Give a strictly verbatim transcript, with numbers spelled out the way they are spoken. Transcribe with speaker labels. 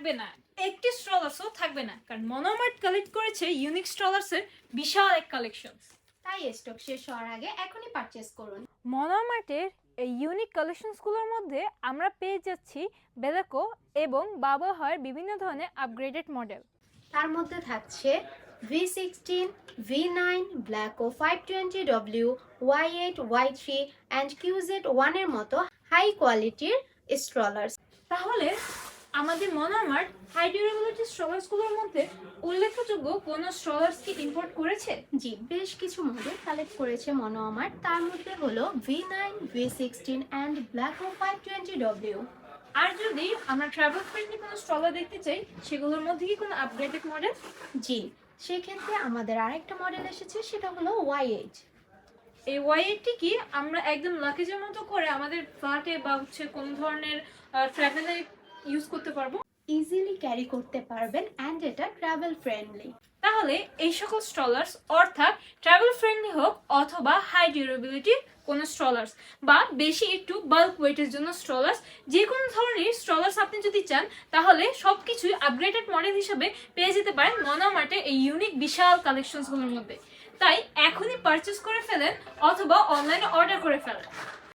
Speaker 1: থাকবে না, একটি স্ট্রলার্সও থাকবে না, কারণ মনোমার্ট কালেক্ট করেছে ইউনিক স্ট্রলার্সের বিশাল এক কালেকশন।
Speaker 2: তাই স্টক শেষ হওয়ার আগে এখনই পারচেজ করুন।
Speaker 1: মনোমার্টের এই ইউনিক কালেকশনসগুলোর মধ্যে আমরা পেয়ে যাচ্ছি বেলাকো এবং বাবহাওয়ার বিভিন্ন ধরনের আপগ্রেডেড মডেল।
Speaker 2: তার মধ্যে থাকছে ভি সিক্সটিন, ভি নাইন, ব্ল্যাকো five twenty W, Y eight, Y three and QZ ওয়ানের মতো হাই কোয়ালিটির স্ট্রলার্স।
Speaker 1: তাহলে আমাদের মনোমার্ট হাই ডিউরেবিলিটি স্ট্রলার্সগুলোর মধ্যে উল্লেখযোগ্য কোনো স্ট্রলার্স কি ইম্পোর্ট করেছে?
Speaker 2: জি, বেশ কিছু মডেল কালেক্ট করেছে মনোমার্ট। তার মধ্যে হলো V nine, V sixteen and ব্ল্যাকো ফাইভ টোয়েন্টি ডব্লিউ।
Speaker 1: আর যদি আমরা ট্রাভেল ফ্রেন্ডলি কোনো স্ট্রলার দেখতে চাই, সেগুলোর মধ্যে কি কোনো আপগ্রেডেড মডেল?
Speaker 2: জি, সেক্ষেত্রে আমাদের আরেকটা মডেল এসেছে, সেটা হলো ওয়াই এইট।
Speaker 1: এই ওয়াই এইটটি কি আমরা একদম লাকেজের মতো করে আমাদের ফ্ল্যাটে বা হচ্ছে কোনো ধরনের ট্রাভেলে ইউজ করতে পারবো?
Speaker 2: ইজিলি ক্যারি করতে পারবেন অ্যান্ড এটা ট্রাভেল ফ্রেন্ডলি।
Speaker 1: তাহলে এই সকল স্ট্রলার্স অর্থাৎ ট্রাভেল ফ্রেন্ডলি হোক অথবা হাই ডিউরেবিলিটি কোনো স্ট্রলার্স বা বেশি একটু বাল্ক ওয়েটের জন্য স্ট্রলার্স, যে কোনো ধরনের স্ট্রলার্স আপনি যদি চান তাহলে সব কিছুই আপগ্রেডেড মডেল হিসেবে পেয়ে যেতে পারেন মনোমার্টে এই ইউনিক বিশাল কালেকশনসগুলোর মধ্যে। তাই এখনই পারচেস করে ফেলেন অথবা অনলাইনে অর্ডার করে ফেলেন।